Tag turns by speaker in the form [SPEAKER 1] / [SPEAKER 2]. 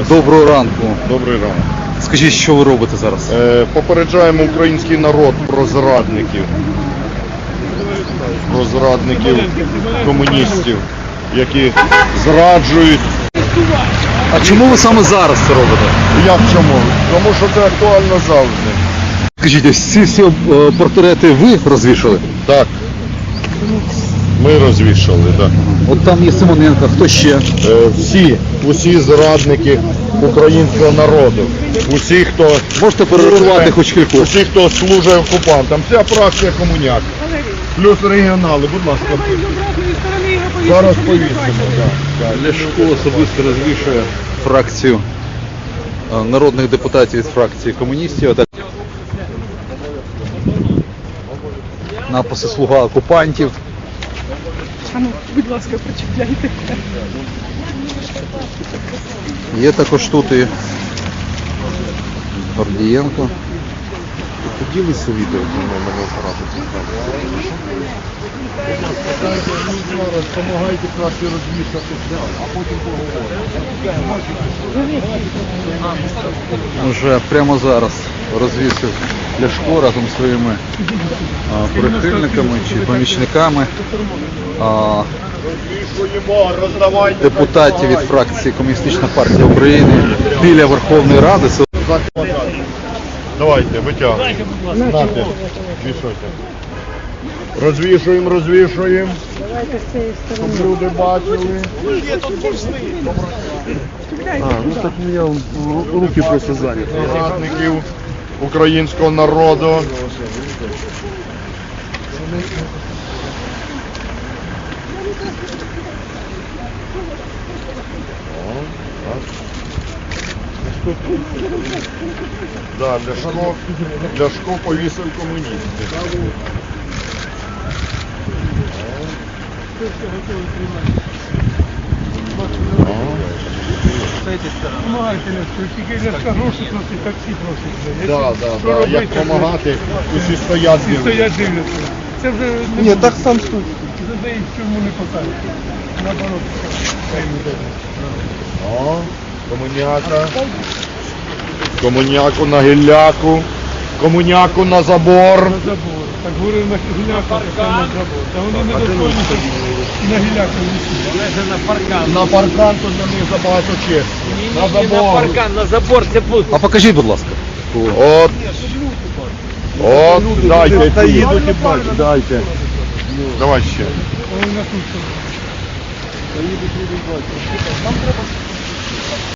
[SPEAKER 1] Доброго ранку.
[SPEAKER 2] Добрий ранок.
[SPEAKER 1] Скажіть, що ви робите зараз?
[SPEAKER 2] Попереджаємо український народ про зрадників. Про зрадників комуністів, які зраджують.
[SPEAKER 1] А чому ви саме зараз це робите?
[SPEAKER 2] Як чому? Тому що це актуально завжди.
[SPEAKER 1] Скажіть, ось ці всі портрети ви розвішали?
[SPEAKER 2] Так. Ми розвішали, так.
[SPEAKER 1] От там є Симоненко, хто ще?
[SPEAKER 2] Усі зрадники українського народу. Усі, хто
[SPEAKER 1] Можете перерахувати хоч кількох?
[SPEAKER 2] усі, хто служить окупантам. Вся фракція комуняк. Плюс регіонали, будь ласка. Зараз повісимо.
[SPEAKER 1] Ляшко особисто розвішує фракцію народних депутатів від фракції комуністів. Написи «Слуга окупантів».
[SPEAKER 3] А ну, будь ласка, прочитайте.
[SPEAKER 1] Є також тут і Гордієнко.
[SPEAKER 2] Поділися відео зі мною, мене оператор цікавить. Допомагайте краще розвішати, а потім поговоримо.
[SPEAKER 1] Вже прямо зараз розвісив Ляшко разом зі своїми прихильниками чи помічниками депутатів від фракції Комуністична партія України біля Верховної Ради.
[SPEAKER 2] Давайте, витягуйте. Знати, вішайте. Розвішуємо, розвішуємо. Щоб люди бачили.
[SPEAKER 4] Ну так у меня руки просто заняты.
[SPEAKER 2] Зрадників українського народу. Да, Ляшко повісив комуністів.
[SPEAKER 3] Помагайте, тільки Ляшка гроші просить, таксі просить.
[SPEAKER 2] Да. Як допомагати, усі стоять.
[SPEAKER 3] Всі стоять дивляться. Це вже не
[SPEAKER 4] Нет, так сам стой.
[SPEAKER 3] задають, чому не посадять. Наоборот, хай не дають.
[SPEAKER 2] Комуняка. Комуняку на гілляку. Комуняку на забор.
[SPEAKER 3] На забор. Так говорив на гіляку, так на забор. Та вони не доходять на гіляку висіть.
[SPEAKER 2] На паркан тут на них забагато честі. На забор.
[SPEAKER 5] На забор це пусто.
[SPEAKER 1] А покажіть, будь ласка.
[SPEAKER 2] От, дайте.
[SPEAKER 4] Та їдуть і бачать.
[SPEAKER 2] Дайте. Давай ще.
[SPEAKER 3] Вони на тут.